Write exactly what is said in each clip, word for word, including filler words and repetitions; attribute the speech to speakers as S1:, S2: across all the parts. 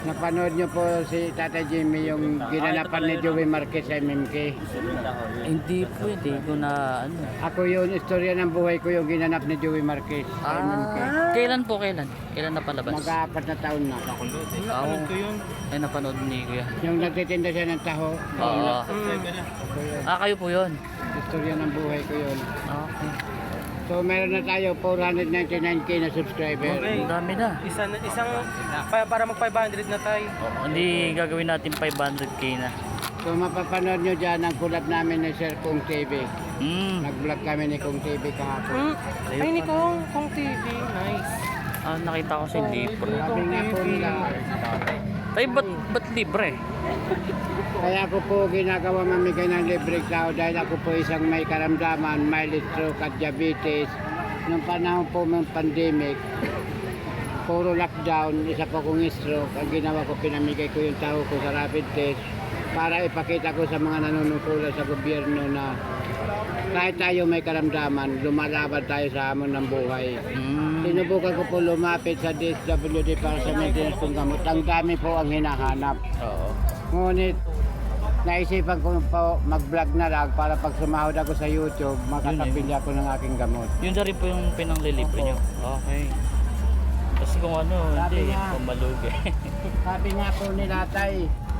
S1: Napanood niyo po si Tata Jimmy yung ginanapan ni Joey Marquez sa M M K.
S2: Hindi po, hindi ko na ano.
S1: Ako yun, istorya ng buhay ko yung ginanap ni Joey Marquez sa M M K.
S2: Ah, kailan po, kailan? Kailan napalabas?
S1: Mag-aapat na taon na.
S2: Napanood ko yun. Ay, napanood ni Kuya.
S1: Yung nagtitinda siya ng taho.
S2: Oo.
S1: Ako yun.
S2: Ah, kayo po yun.
S1: Istorya ng buhay ko yun.
S2: Okay.
S1: So meron na tayo four ninety-nine K na subscriber.
S2: Ang dami na.
S3: Isa, isang, pa- para mag five hundred na tayo.
S2: Oo, hindi gagawin natin five hundred K na.
S1: So mapapanood nyo dyan ang collab namin ni Sir Kung T V.
S2: Hmm.
S1: Nag-vlog kami ni Kung T V kahapon.
S3: Hmm? Ay, ni Kong, Kong T V. Nice.
S2: Ah, nakita ko si Libro.
S1: Sabi nga po nila,
S2: Ay, ba't, ba't libre?
S1: kaya ako po ginagawa mamigay ng libreng tao dahil ako po isang may karamdaman, mild stroke at diabetes. Nung panahon po ng pandemic, puro lockdown, isa po kong stroke. Ang ginawa ko, pinamigay ko yung tao ko sa rapid test para ipakita ko sa mga nanunungkulan sa gobyerno na kahit tayo may karamdaman, lumalaban tayo sa hamon ng buhay.
S2: Hmm.
S1: Sinubukan ko po lumapit sa D S W D para sa maintenance ng gamot. Ang dami po ang hinahanap.
S2: Oo.
S1: Ngunit, naisipan ko po mag-vlog na lang para pag sumahod ako sa YouTube, makakabili ako ng aking gamot.
S2: Yun na rin po yung pinanglilibre nyo. Okay. Kasi kung ano,
S1: Sabi
S2: hindi,
S1: nga.
S2: pumalugi.
S1: Sabi nga po nila, Tay,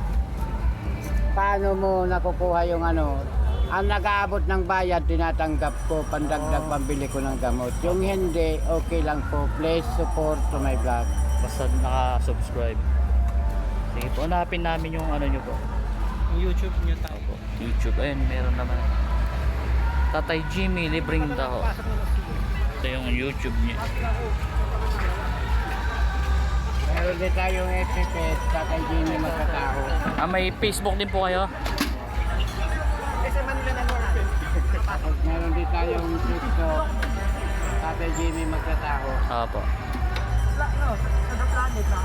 S1: paano mo nakukuha yung ano, ang nag-aabot ng bayad, tinatanggap ko, pandagdag pambili ko ng gamot. Yung hindi, okay lang po. Please support to my vlog.
S2: Basta naka-subscribe. Sige po, hanapin namin yung ano nyo po.
S3: Yung YouTube nyo tayo.
S2: Opo, YouTube. Ayun, meron naman. Tatay Jimmy, libreng tao. Ito yung YouTube niya.
S1: Meron din tayong F F S, Tatay Jimmy Magkataho.
S2: Ah, may Facebook din po kayo?
S1: Meron din tayong TikTok, Tatay Jimmy Magkataho.
S2: Opo.
S3: No, sa the planet na.